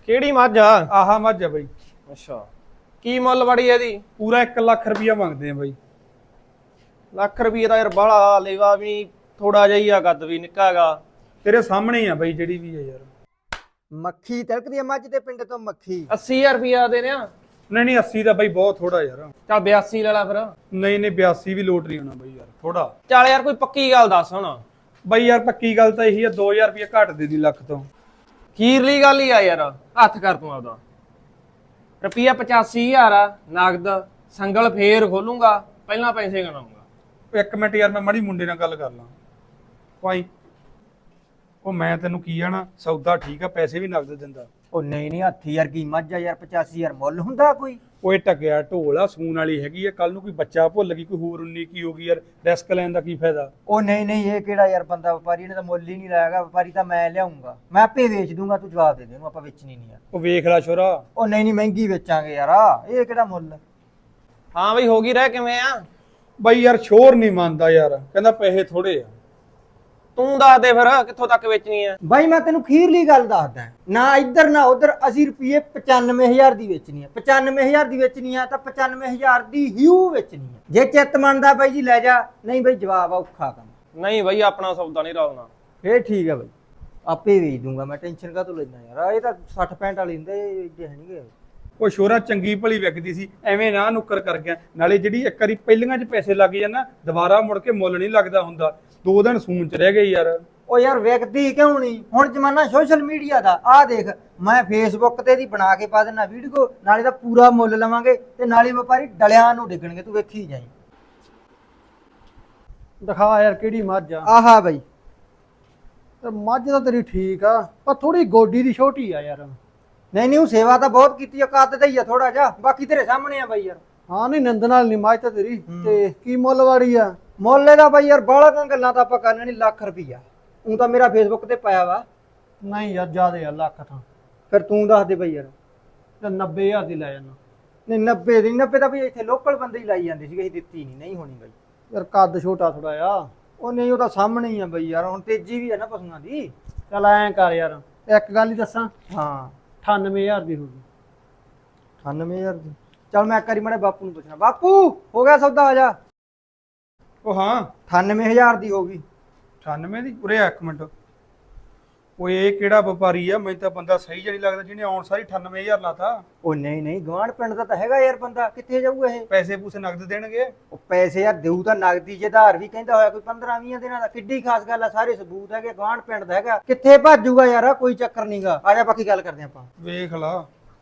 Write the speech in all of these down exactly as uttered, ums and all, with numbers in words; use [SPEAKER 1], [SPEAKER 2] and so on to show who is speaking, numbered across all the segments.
[SPEAKER 1] ਕਿਹੜੀ ਮੱਝ ਆ?
[SPEAKER 2] ਆਹਾ ਮੱਝ ਆ ਬਾਈ।
[SPEAKER 1] ਅੱਛਾ, ਕੀ ਮੁੱਲ ਬੜੀ ਇਹਦੀ?
[SPEAKER 2] ਪੂਰਾ ਇੱਕ ਲੱਖ ਰੁਪਇਆ ਮੰਗਦੇ ਆ ਬਾਈ।
[SPEAKER 1] ਲੱਖ ਰੁਪਏ ਦਾ ਯਾਰ ਬਾਹਲਾ ਲੇਵਾ ਵੀ ਨਹੀਂ, ਥੋੜਾ ਜਿਹਾ ਹੀ ਆ, ਕੱਦ ਵੀ ਨਿੱਕਾ ਹੈਗਾ।
[SPEAKER 2] ਤੇਰੇ ਸਾਹਮਣੇ ਹੀ ਆ ਬਾਈ ਜਿਹੜੀ ਵੀ ਆ ਯਾਰ।
[SPEAKER 3] ਮੱਖੀ ਤਿਲਕਦੀ ਆ ਮੱਝ ਦੇ ਪਿੰਡ ਤੋਂ ਮੱਖੀ।
[SPEAKER 1] ਅੱਸੀ ਹਜ਼ਾਰ ਰੁਪਇਆ ਦੇ ਰਿਆ?
[SPEAKER 2] ਨਹੀਂ ਨਹੀਂ ਅੱਸੀ ਦਾ ਬਾਈ ਬਹੁਤ ਥੋੜਾ ਯਾਰ।
[SPEAKER 1] ਚੱਲ ਬਿਆਸੀ ਲੈ ਲਾ ਫਿਰ।
[SPEAKER 2] ਨਹੀਂ ਨਹੀਂ ਬਿਆਸੀ ਵੀ ਲੋਟ ਨਹੀਂ ਹੋਣਾ ਬਾਈ ਯਾਰ, ਥੋੜਾ।
[SPEAKER 1] ਚੱਲ ਯਾਰ ਕੋਈ ਪੱਕੀ ਗੱਲ ਦੱਸ ਹੁਣ।
[SPEAKER 2] ਬਾਈ ਯਾਰ ਪੱਕੀ ਗੱਲ ਤਾਂ ਇਹੀ ਆ, ਦੋ ਹਜ਼ਾਰ ਰੁਪਇਆ ਘੱਟ ਦੇ ਦੀ ਲੱਖ ਤੋਂ।
[SPEAKER 1] ਖੀਰਲੀ ਗੱਲ ਹੀ ਆ ਯਾਰ, ਹੱਥ ਕਰ ਤੂੰ ਆਪਦਾ। ਰੁਪਈਆ ਪਚਾਸੀ ਹਜ਼ਾਰ ਆ ਨਗਦ, ਸੰਗਲ ਫੇਰ ਖੋਲੂੰਗਾ, ਪਹਿਲਾਂ ਪੈਸੇ ਗਣਾਉਂਗਾ।
[SPEAKER 2] ਇੱਕ ਮਿੰਟ ਯਾਰ, ਮੈਂ ਮਾੜੀ ਮੁੰਡੇ ਨਾਲ ਗੱਲ ਕਰ ਲਾਂ। ਭਾਈ ਉਹ ਮੈਂ ਤੈਨੂੰ ਕੀ ਆਣਾ, ਸੌਦਾ ਠੀਕ ਆ, ਪੈਸੇ ਵੀ ਨਗਦ ਦਿੰਦਾ।
[SPEAKER 3] ਉਹ ਨਹੀਂ ਨਹੀਂ ਹੱਥੀ ਯਾਰ ਕੀ ਮੱਝ ਆ ਯਾਰ, ਪਚਾਸੀ ਹਜ਼ਾਰ ਮੁੱਲ ਹੁੰਦਾ ਕੋਈ?
[SPEAKER 2] ਓਏ ਟਕਿਆ ਢੋਲ ਆ, ਸੂਣ ਵਾਲੀ ਹੈਗੀ ਆ, ਕੱਲ ਨੂੰ ਕੋਈ ਬੱਚਾ ਭੁੱਲ ਗਈ, ਕੋਈ ਹੋਰ ਉਨੀ ਕੀ ਹੋ ਗਈ ਯਾਰ, ਰਿਸਕ ਲੈਣ ਦਾ ਕੀ ਫਾਇਦਾ?
[SPEAKER 3] ਉਹ ਨਹੀਂ ਨਹੀਂ ਇਹ ਕਿਹੜਾ ਯਾਰ ਬੰਦਾ, ਵਪਾਰੀ ਨੇ ਤਾਂ ਮੁੱਲ ਹੀ ਨਹੀਂ ਲਾਇਆਗਾ। ਵਪਾਰੀ ਤਾਂ ਮੈਂ ਲਿਆਉਂਗਾ, ਮੈਂ ਆਪੇ ਵੇਚ ਦੂੰਗਾ, ਤੂੰ ਜਵਾਬ ਦੇ ਦੇ ਇਹਨੂੰ, ਆਪਾਂ ਵੇਚਣੀ ਨਹੀਂ ਯਾਰ।
[SPEAKER 2] ਉਹ ਵੇਖ ਲੈ ਛੋਰਾ।
[SPEAKER 3] ਉਹ ਨਹੀਂ ਨਹੀਂ ਮਹਿੰਗੀ ਵੇਚਾਂਗੇ ਯਾਰ, ਇਹ ਕਿਹੜਾ ਮੁੱਲ?
[SPEAKER 1] ਹਾਂ ਬਈ ਹੋ ਗਈ ਰਹਿ ਕਿਵੇਂ ਆ?
[SPEAKER 2] ਬਾਈ ਯਾਰ ਸ਼ੋਰ ਨਹੀਂ ਮੰਨਦਾ ਯਾਰ, ਕਹਿੰਦਾ ਪੈਸੇ ਥੋੜੇ ਆ।
[SPEAKER 1] ਤੂੰ ਦੱਸ ਦੇ ਫਿਰ ਕਿੱਥੋਂ ਤੱਕ ਵੇਚਣੀ ਆ?
[SPEAKER 3] ਬਾਈ ਮੈਂ ਤੈਨੂੰ ਖੀਰਲੀ ਗੱਲ ਦੱਸਦਾ, ਨਾ ਇੱਧਰ ਨਾ ਉੱਧਰ, ਅਸੀਂ ਰੁਪਏ ਪਚਾਨਵੇਂ ਹਜ਼ਾਰ ਦੀ ਵੇਚਣੀ ਆ। ਪਚਾਨਵੇਂ ਹਜ਼ਾਰ ਦੀ ਵੇਚਣੀ ਆ ਤਾਂ ਪਚਾਨਵੇਂ ਹਜ਼ਾਰ ਦੀ ਹਿਊ ਵੇਚਣੀ ਆ। ਜੇ ਚਿੱਤ ਮੰਨਦਾ ਬਾਈ ਜੀ ਲੈ ਜਾ, ਨਹੀਂ ਬਾਈ ਜਵਾਬ ਆ ਔਖਾ ਕੰਮ।
[SPEAKER 1] ਨਹੀਂ ਬਈ ਆਪਣਾ ਸੌਦਾ ਨਹੀਂ ਰਲਣਾ।
[SPEAKER 3] ਫੇਰ ਠੀਕ ਆ ਬਾਈ, ਆਪੇ ਵੇਚ ਦੂੰਗਾ ਮੈਂ, ਟੈਨਸ਼ਨ ਕਾਹਤੋਂ ਲੈਣਾ ਯਾਰ। ਇਹ ਤਾਂ ਸੱਠ ਪੈਂਹਠ ਵਾਲੀ ਹੁੰਦੇ, ਇਹ ਹੈ ਨਹੀਂਗੇ।
[SPEAKER 2] ਉਹ ਸ਼ੋਰਾ ਚੰਗੀ ਭਲੀ ਵਿਕਦੀ ਸੀ, ਐਵੇਂ ਨਾ ਨੁੱਕਰ ਕਰ ਗਿਆ। ਨਾਲੇ ਜਿਹੜੀ ਇੱਕ ਵਾਰੀ ਪਹਿਲੀਆਂ 'ਚ ਪੈਸੇ ਲੱਗ ਜਾਣ ਨਾ, ਦੁਬਾਰਾ ਮੁੜ ਕੇ ਮੁੱਲ ਨਹੀਂ ਲੱਗਦਾ ਹੁੰਦਾ। ਦੋ ਦਿਨ ਸੂਣ 'ਚ ਰਹਿ ਗਏ ਯਾਰ।
[SPEAKER 3] ਉਹ ਯਾਰ ਵਿਕਦੀ ਕਿਉਂ ਨਹੀਂ? ਹੁਣ ਜ਼ਮਾਨਾ ਸੋਸ਼ਲ ਮੀਡੀਆ ਦਾ। ਆਹ ਦੇਖ, ਮੈਂ ਫੇਸਬੁੱਕ ਤੇ ਦੀ ਬਣਾ ਕੇ ਪਾ ਦੇਣਾ ਵੀਡੀਓ, ਨਾਲੇ ਦਾ ਪੂਰਾ ਮੁੱਲ ਲਵਾਂਗੇ ਤੇ ਨਾਲੇ ਵਪਾਰੀ ਡਲਿਆਂ ਨੂੰ ਡਿੱਗਣਗੇ, ਤੂੰ ਵੇਖੀ ਜਾਈਂ।
[SPEAKER 4] ਦਿਖਾ ਯਾਰ ਕਿਹੜੀ ਮੱਝ ਆ।
[SPEAKER 3] ਆਹਾ ਬਾਈ,
[SPEAKER 4] ਤੇ ਮੱਝ ਤਾਂ ਤੇਰੀ ਠੀਕ ਆ, ਪਰ ਥੋੜੀ ਗੋਡੀ ਦੀ ਛੋਟੀ ਆ ਯਾਰ।
[SPEAKER 3] ਨਹੀਂ ਨਹੀਂ ਉਹ ਸੇਵਾ ਤਾਂ ਬਹੁਤ ਕੀਤੀ ਆ, ਕੱਦ ਤੇ ਹੀ ਆ ਥੋੜਾ ਜਿਹਾ, ਬਾਕੀ ਤੇਰੇ ਸਾਹਮਣੇ ਆ ਬਾਈ ਯਾਰ।
[SPEAKER 4] ਹਾਂ ਨਹੀਂ ਨੰਦ ਨਾਲ ਨਹੀਂ ਮੱਝ ਤਾਂ ਤੇਰੀ। ਤੇ ਕੀ ਮੁੱਲ ਵਾਲੀ ਆ?
[SPEAKER 3] ਮੁੱਲ ਇਹਦਾ ਬਾਈ ਯਾਰ ਬਾਹਲਾ ਗੱਲਾਂ ਤਾਂ ਆਪਾਂ ਕਰਨੀਆਂ ਨਹੀਂ, ਲੱਖ ਰੁਪਈਆ। ਉਹ ਤਾਂ ਮੇਰਾ ਫੇਸਬੁੱਕ ਤੇ ਪਾਇਆ ਵਾ।
[SPEAKER 4] ਨਹੀਂ ਯਾਰ ਜ਼ਿਆਦੇ ਆ, ਲੱਖ ਥਾਂ।
[SPEAKER 3] ਫਿਰ ਤੂੰ ਦੱਸ ਦੇ ਬਾਈ ਯਾਰ।
[SPEAKER 4] ਤੇ ਨੱਬੇ ਹਜ਼ਾਰ ਦੀ ਲੈ ਜਾਣਾ।
[SPEAKER 3] ਨਹੀਂ ਨੱਬੇ ਦੀ, ਨੱਬੇ ਤਾਂ ਬਈ ਇੱਥੇ ਲੋਕਲ ਬੰਦੇ ਹੀ ਲਾਈ ਜਾਂਦੇ ਸੀਗੇ, ਅਸੀਂ ਦਿੱਤੀ ਨਹੀਂ। ਨਹੀਂ ਹੋਣੀ ਬਾਈ
[SPEAKER 4] ਯਾਰ ਕੱਦ ਛੋਟਾ ਥੋੜਾ ਆ।
[SPEAKER 3] ਉਹ ਨਹੀਂ, ਉਹ ਤਾਂ ਸਾਹਮਣੇ ਹੀ ਆ ਬਈ ਯਾਰ, ਹੁਣ ਤੇਜ਼ੀ ਵੀ ਆ ਨਾ ਪਸ਼ੂਆਂ ਦੀ।
[SPEAKER 4] ਚੱਲ ਐਂ ਕਰ ਯਾਰ, ਇੱਕ ਗੱਲ ਹੀ ਦੱਸਾਂ,
[SPEAKER 3] ਹਾਂ
[SPEAKER 4] ਅਠਾਨਵੇਂ ਹਜ਼ਾਰ ਦੀ ਹੋ ਗਈ।
[SPEAKER 3] ਅਠਾਨਵੇਂ ਹਜ਼ਾਰ ਦੀ? ਚੱਲ ਮੈਂ ਇੱਕ ਵਾਰੀ ਮਾੜੇ ਬਾਪੂ ਨੂੰ ਪੁੱਛਣਾ। ਬਾਪੂ ਹੋ ਗਿਆ ਸੌਦਾ? ਆ ਜਾ।
[SPEAKER 2] ਉਹ ਹਾਂ
[SPEAKER 3] ਅਠਾਨਵੇਂ ਹਜ਼ਾਰ ਦੀ ਹੋ ਗਈ।
[SPEAKER 2] ਅਠਾਨਵੇਂ ਦੀ? ਉਰੇ ਆ ਇੱਕ ਮਿੰਟ। ਓਏ ਇਹ ਕਿਹੜਾ ਵਪਾਰੀ ਆ? ਮੈਨੂੰ ਤਾਂ ਬੰਦਾ ਸਹੀ ਜਿਹਾ ਨਹੀਂ ਲੱਗਦਾ ਜਿਹਨੇ ਆਉਣ ਸਾਰੀ ਅਠਾਨਵੇਂ ਹਜ਼ਾਰ ਲਾਤਾ।
[SPEAKER 3] ਉਹ ਨਹੀਂ ਨਹੀਂ ਗਵਾਂਢ ਪਿੰਡ ਦਾ ਤਾਂ ਹੈਗਾ ਯਾਰ ਬੰਦਾ, ਕਿੱਥੇ ਜਾਊਗਾ ਇਹ?
[SPEAKER 2] ਪੈਸੇ ਪੂਸੇ ਨਗਦ ਦੇਣਗੇ?
[SPEAKER 3] ਉਹ ਪੈਸੇ ਯਾਰ ਦੇਊ ਤਾਂ ਨਗਦੀ, ਜੇ ਆਧਾਰ ਵੀ ਕਹਿੰਦਾ ਹੋਇਆ ਕੋਈ ਪੰਦਰਾਂ ਵੀਹ ਦਿਨਾਂ ਦਾ, ਕਿੱਡੀ ਖਾਸ ਗੱਲ ਆ, ਸਾਰੇ ਸਬੂਤ ਹੈਗੇ, ਗਵਾਂਢ ਪਿੰਡ ਦਾ ਹੈਗਾ, ਕਿੱਥੇ ਭੱਜੂਗਾ ਯਾਰ? ਕੋਈ ਚੱਕਰ ਨਹੀਂਗਾ, ਆ ਜਾ ਬਾਕੀ ਗੱਲ ਕਰਦੇ ਆਪਾਂ।
[SPEAKER 2] ਵੇਖ ਲਾ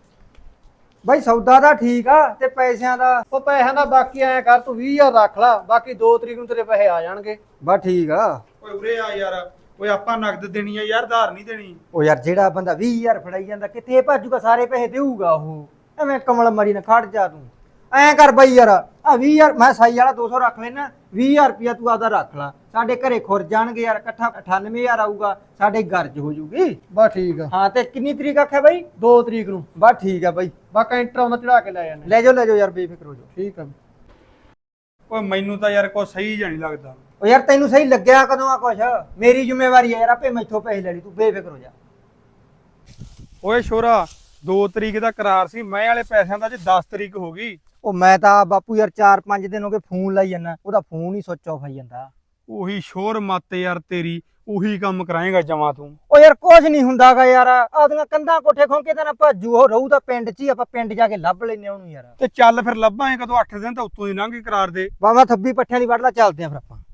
[SPEAKER 3] ਬਾਈ ਸੌਦਾ ਤਾਂ ਠੀਕ ਆ, ਤੇ ਪੈਸਿਆਂ ਦਾ?
[SPEAKER 4] ਉਹ ਪੈਸਿਆਂ ਦਾ ਬਾਕੀ ਐਂ ਕਰ, ਤੂੰ ਵੀਹ ਹਜ਼ਾਰ ਰੱਖ ਲਾ, ਬਾਕੀ ਦੋ ਤਰੀਕ ਨੂੰ ਤੇਰੇ ਪੈਸੇ ਆ ਜਾਣਗੇ।
[SPEAKER 3] ਬਸ ਠੀਕ ਆ।
[SPEAKER 2] ਓਏ ਉਰੇ ਆ ਯਾਰ। ਓਏ ਆਪਾਂ ਨਗਦ ਦੇਣੀ ਆ ਯਾਰ, ਧਾਰ ਨਹੀਂ ਦੇਣੀ।
[SPEAKER 3] ਉਹ ਯਾਰ ਜਿਹੜਾ ਬੰਦਾ ਵੀਹ ਹਜ਼ਾਰ ਫੜਾਈ ਜਾਂਦਾ, ਕਿੱਥੇ ਭੱਜੂਗਾ? ਸਾਰੇ ਪੈਸੇ ਦੇਊਗਾ ਉਹ। ਐਵੇਂ ਕਮਲ ਮਰੀ ਨਾ ਖੜ ਜਾ ਤੂੰ। ਐਂ ਕਰ ਬਾਈ ਯਾਰ, ਆ ਵੀਹ ਹਜ਼ਾਰ ਮੈਂ ਸਾਈ ਵਾਲਾ ਦੋ ਸੌ ਰੱਖ ਲੈਣਾ, ਵੀਹ ਹਜ਼ਾਰ ਰੁਪਇਆ ਤੂੰ ਆਪਦਾ ਰੱਖ ਲਾ। ਸਾਡੇ ਘਰੇ ਖੁਰ ਜਾਣਗੇ ਯਾਰ, ਇਕੱਠਾ ਅਠਾਨਵੇਂ ਹਜ਼ਾਰ ਆਊਗਾ, ਸਾਡੇ ਗਰਜ ਹੋ ਜੂਗੀ।
[SPEAKER 4] ਬਸ ਠੀਕ ਆ।
[SPEAKER 3] ਹਾਂ ਤੇ ਕਿੰਨੀ ਤਰੀਕ ਆਖਿਆ ਬਾਈ?
[SPEAKER 4] ਦੋ ਤਰੀਕ ਨੂੰ।
[SPEAKER 3] ਬਸ ਠੀਕ ਆ ਬਾਈ,
[SPEAKER 4] ਬਸ ਕੈਂਟਰ ਆਉਂਦਾ ਚੜਾ ਕੇ ਲੈ ਜਾਣੇ।
[SPEAKER 3] ਲੈ ਜਾਓ ਲੈ ਜਾਓ ਯਾਰ, ਬੇਫਿਕਰ ਹੋ ਜਾਓ।
[SPEAKER 4] ਠੀਕ ਆ।
[SPEAKER 2] ਓਏ ਮੈਨੂੰ ਤਾਂ ਯਾਰ ਕੋਈ ਸਹੀ ਜਿਹਾ ਨਹੀਂ ਲੱਗਦਾ।
[SPEAKER 3] ਉਹ ਯਾਰ ਤੈਨੂੰ ਸਹੀ ਲੱਗਿਆ ਕਦੋਂ ਆ ਕੁਛ? ਮੇਰੀ ਜ਼ਿੰਮੇਵਾਰੀ ਹੈ ਯਾਰ, ਆਪੇ ਮੈਥੋਂ ਪੈਸੇ ਲੈ ਲਈ, ਤੂੰ ਬੇਫਿਕਰ ਹੋ ਜਾ।
[SPEAKER 2] ਓਏ ਸ਼ੋਰਾ, ਦੋ ਤਰੀਕ ਦਾ ਕਰਾਰ ਸੀ, ਮੈਂ ਵਾਲੇ ਪੈਸਿਆਂ ਦਾ ਅੱਜ ਦਸ ਤਰੀਕ ਹੋ ਗਈ।
[SPEAKER 3] ਉਹ ਮੈਂ ਤਾਂ ਬਾਪੂ ਯਾਰ ਚਾਰ ਪੰਜ ਦਿਨ ਹੋ ਗਏ ਫੋਨ ਲਾਈ ਜਾਂਦਾ, ਉਹਦਾ ਫੋਨ ਹੀ ਸੁੱਚ ਆਫ ਆਈ ਜਾਂਦਾ।
[SPEAKER 2] ਉਹੀ ਸ਼ੋਰ ਮੱਤ ਯਾਰ ਤੇਰੀ, ਉਹੀ ਕੰਮ ਕਰਾਏਗਾ ਜਮਾ ਤੂੰ।
[SPEAKER 3] ਉਹ ਯਾਰ ਕੁਛ ਨਹੀਂ ਹੁੰਦਾਗਾ ਯਾਰ, ਆਪਦੀਆਂ ਕੰਧਾਂ ਕੋਠੇ ਖੋਂਕੇ ਤਾਂ ਨਾ ਭਾਜੂ, ਉਹ ਰਹੂ ਤਾਂ ਪਿੰਡ 'ਚ ਹੀ, ਆਪਾਂ ਪਿੰਡ ਜਾ ਕੇ ਲੱਭ ਲੈਨੇ ਉਹਨੂੰ ਯਾਰ।
[SPEAKER 2] ਤੇ ਚੱਲ ਫਿਰ ਲੱਭਾਂਗੇ ਕਦੋਂ? ਅੱਠ ਦਿਨ ਤਾਂ ਉੱਤੋਂ ਦੀ ਲੰਘ ਗਏ ਕਰਾਰ ਦੇ।
[SPEAKER 3] ਬਾਬਾ ਥੱਬੀ ਪੱਠਿਆਂ ਦੀ ਵੜਲਾ, ਚੱਲਦੇ ਆ ਫਿਰ ਆਪਾਂ।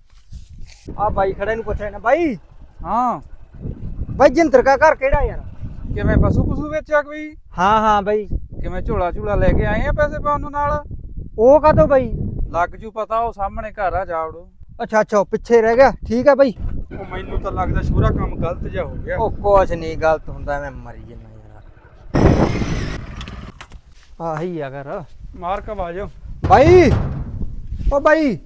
[SPEAKER 3] ਆ ਬਾਈ ਖੜੇ ਨੂੰ ਪੁੱਛ ਲੈਣਾ। ਬਾਈ
[SPEAKER 5] ਹਾਂ
[SPEAKER 3] ਬਾਈ ਜਿੰਦਰ ਕਾ ਘਰ ਕਿਹੜਾ ਯਾਰ?
[SPEAKER 5] ਕਿਵੇਂ ਪਸ਼ੂ ਪਸ਼ੂ ਵੇਚਿਆ ਕੋਈ?
[SPEAKER 3] ਹਾਂ ਹਾਂ ਬਾਈ।
[SPEAKER 5] ਕਿਵੇਂ ਝੋਲਾ ਝੂਲਾ ਲੈ ਕੇ ਆਏ ਆ ਪੈਸੇ ਪਾਉਣ ਨੂੰ ਨਾਲ?
[SPEAKER 3] ਉਹ ਕਾਹਤੋਂ ਬਾਈ?
[SPEAKER 5] ਲੱਗ ਜੂ ਪਤਾ, ਉਹ ਸਾਹਮਣੇ ਘਰ ਆ, ਜਾਵੜੋ।
[SPEAKER 3] ਅੱਛਾ ਅੱਛਾ, ਉਹ ਪਿੱਛੇ ਰਹਿ ਗਿਆ, ਠੀਕ ਆ ਬਾਈ।
[SPEAKER 2] ਉਹ ਮੈਨੂੰ ਤਾਂ ਲੱਗਦਾ ਸ਼ੋਰਾ ਕੰਮ ਗਲਤ ਜਿਹਾ ਹੋ ਗਿਆ।
[SPEAKER 3] ਉਹ ਕੁਛ ਨਹੀਂ ਗਲਤ ਹੁੰਦਾ, ਮੈਂ ਮਰੀ ਜੰਨਾ ਯਾਰ। ਆਹੀ ਆ ਘਰ।
[SPEAKER 2] ਮਾਰ ਕੇ ਆਵਾਜ਼।
[SPEAKER 3] ਬਾਈ ਉਹ ਬਾਈ,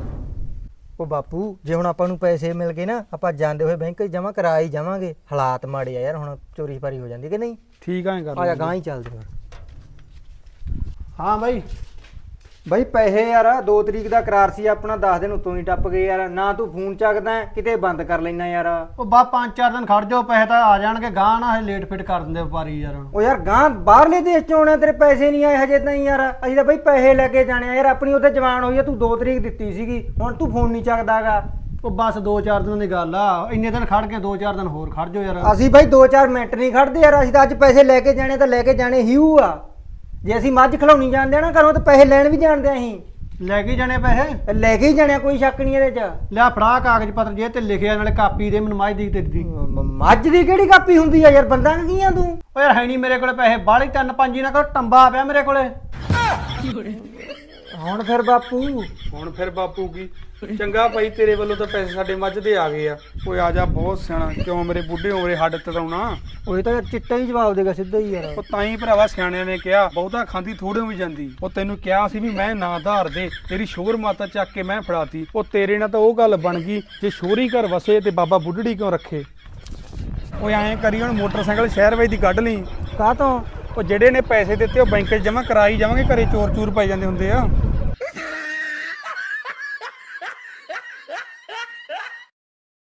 [SPEAKER 3] ਉਹ ਬਾਪੂ ਜੇ ਹੁਣ ਆਪਾਂ ਨੂੰ ਪੈਸੇ ਮਿਲ ਗਏ ਨਾ, ਆਪਾਂ ਜਾਂਦੇ ਹੋਏ ਬੈਂਕ 'ਚ ਜਮਾ ਕਰਾ ਹੀ ਜਾਵਾਂਗੇ। ਹਾਲਾਤ ਮਾੜੇ ਆ ਯਾਰ, ਹੁਣ ਚੋਰੀ ਛਪਾਰੀ ਹੋ ਜਾਂਦੀ ਕਿ ਨਹੀਂ?
[SPEAKER 2] ਠੀਕ ਆਂ ਕਰ
[SPEAKER 3] ਆ ਜਾ ਗਾਂ ਹੀ ਚੱਲਦੇ ਫਿਰ।
[SPEAKER 4] ਹਾਂ ਬਾਈ
[SPEAKER 3] ਬਈ ਪੈਸੇ ਯਾਰ ਦੋ ਤਰੀਕ ਦਾ ਕਰਾਰ ਸੀ ਆਪਣਾ, ਦਸ ਦਿਨ ਉਤੋਂ ਹੀ ਟੱਪ ਗਏ ਯਾਰ। ਨਾ ਤੂੰ ਫੋਨ ਚੱਕਦਾ ਹੈ, ਕਿਤੇ ਬੰਦ ਕਰ ਲੈਣਾ ਯਾਰ।
[SPEAKER 4] ਉਹ ਬਾ ਪੰਜ ਚਾਰ ਦਿਨ ਖੜ ਜਾਓ, ਪੈਸੇ ਤਾਂ ਆ ਜਾਣਗੇ, ਗਾਂ ਨਾ ਇਹ ਲੇਟ ਫਿਟ ਕਰ ਦਿੰਦੇ ਵਪਾਰੀ ਯਾਰ।
[SPEAKER 3] ਉਹ ਯਾਰ ਗਾਂ ਬਾਹਰਲੇ ਦੇਸ਼ ਚ ਆਉਣਾ, ਤੇਰੇ ਪੈਸੇ ਨਹੀਂ ਆਏ ਹਜੇ ਤਾਈਂ ਯਾਰ। ਅਸੀਂ ਤਾਂ ਬਈ ਪੈਸੇ ਲੈ ਕੇ ਜਾਣੇ ਆ ਯਾਰ। ਆਪਣੀ ਉੱਥੇ ਜਵਾਨ ਹੋਈ ਆ, ਤੂੰ ਦੋ ਤਰੀਕ ਦਿੱਤੀ ਸੀਗੀ, ਹੁਣ ਤੂੰ ਫੋਨ ਨਹੀਂ ਚੱਕਦਾਗਾ।
[SPEAKER 4] ਉਹ ਬਸ ਦੋ ਚਾਰ ਦਿਨਾਂ ਦੀ ਗੱਲ ਆ, ਇੰਨੇ ਦਿਨ ਖੜ ਕੇ ਦੋ ਚਾਰ ਦਿਨ ਹੋਰ ਖੜ ਜਾਓ ਯਾਰ।
[SPEAKER 3] ਅਸੀਂ ਬਈ ਦੋ ਚਾਰ ਮਿੰਟ ਨਹੀਂ ਖੜਦੇ ਯਾਰ। ਅਸੀਂ ਤਾਂ ਅੱਜ ਪੈਸੇ ਲੈ ਕੇ ਜਾਣੇ ਤਾਂ ਲੈ ਕੇ ਜਾਣੇ ਹਿਊ ਆ। ਜੇ ਅਸੀਂ ਮੱਝ ਖਲਾਉਣੀ ਜਾਣਦੇ ਆ ਨਾ ਘਰੋਂ, ਤਾਂ ਪੈਸੇ ਲੈਣ ਵੀ ਜਾਣਦੇ ਆ ਅਸੀਂ।
[SPEAKER 4] ਲੈ ਕੇ ਜਾਣੇ ਪੈਸੇ,
[SPEAKER 3] ਤੇ ਲੈ ਕੇ ਹੀ ਜਾਣੇ ਆ, ਕੋਈ ਸ਼ੱਕ ਨਹੀਂ ਇਹਦੇ ਚ।
[SPEAKER 4] ਲਿਆ ਫੜਾ ਕਾਗਜ਼ ਪੱਤਰ ਜੇ ਤੇ ਲਿਖਿਆ, ਨਾਲੇ ਕਾਪੀ ਦੇ ਮੈਨੂੰ ਮੱਝ ਦੀ ਤੇਰੀ ਦੀ।
[SPEAKER 3] ਮ- ਮੱਝ ਦੀ ਕਿਹੜੀ ਕਾਪੀ ਹੁੰਦੀ ਆ ਯਾਰ, ਬੰਦਾ ਕੀ ਆ ਤੂੰ?
[SPEAKER 4] ਓ ਯਾਰ ਹੈ ਨਹੀਂ ਮੇਰੇ ਕੋਲੇ ਪੈਸੇ, ਬਾਹਲੀ ਤਿੰਨ ਪੰਜ ਹੀ ਨਾ ਕਰੋ, ਟੰਬਾ ਪਿਆ ਮੇਰੇ ਕੋਲੇ।
[SPEAKER 3] ਹੁਣ ਫਿਰ ਬਾਪੂ
[SPEAKER 2] ਹੁਣ ਫਿਰ ਬਾਪੂ ਕੀ ਚੰਗਾ ਭਾਈ, ਤੇਰੇ ਵੱਲੋਂ ਤਾਂ ਪੈਸੇ ਸਾਡੇ ਮੱਝ ਦੇ ਆ ਗਏ ਆ। ਓਏ ਆ ਜਾ, ਬਹੁਤ ਸਿਆਣਾ, ਕਿਉਂ ਮੇਰੇ ਬੁੱਢੇ ਉਮਰੇ ਹੱਡ ਤੜਾਉਣਾ।
[SPEAKER 3] ਉਹ ਤਾਂ ਯਾਰ ਚਿੱਟਾ ਹੀ ਜਵਾਬ ਦੇਗਾ ਸਿੱਧਾ ਹੀ ਯਾਰ।
[SPEAKER 2] ਉਹ ਤਾਂ ਹੀ ਭਰਾਵਾ ਸਿਆਣਿਆਂ ਨੇ ਕਿਹਾ, ਬਹੁਤਾ ਖਾਂਦੀ ਥੋੜੇ ਵੀ ਜਾਂਦੀ। ਉਹ ਤੈਨੂੰ ਕਿਹਾ ਸੀ ਵੀ ਮੈਂ ਨਾ ਧਾਰ ਦੇ, ਤੇਰੀ ਸ਼ੋਰ ਮਾਤਾ ਚੱਕ ਕੇ ਮੈਂ ਫੜਾਤੀ। ਉਹ ਤੇਰੇ ਨਾਲ ਤਾਂ ਉਹ ਗੱਲ ਬਣ ਗਈ, ਜੇ ਸ਼ੋਰੀ ਘਰ ਵਸੇ ਤੇ ਬਾਬਾ ਬੁੱਢੜੀ ਕਿਉਂ ਰੱਖੇ। ਓਏ ਐਂ ਕਰੀ, ਹੁਣ ਮੋਟਰਸਾਈਕਲ ਸ਼ਹਿਰ ਵਿੱਚ ਦੀ ਕੱਢ ਲਈ।
[SPEAKER 3] ਕਾਹ ਤੋਂ?
[SPEAKER 2] ਉਹ ਜਿਹੜੇ ਨੇ ਪੈਸੇ ਦਿੱਤੇ ਉਹ ਬੈਂਕ 'ਚ ਜਮ੍ਹਾਂ ਕਰਾਈ ਜਾਵਾਂਗੇ, ਘਰੇ ਚੋਰ ਚੂਰ ਪੈ ਜਾਂਦੇ ਹੁੰਦੇ ਆ।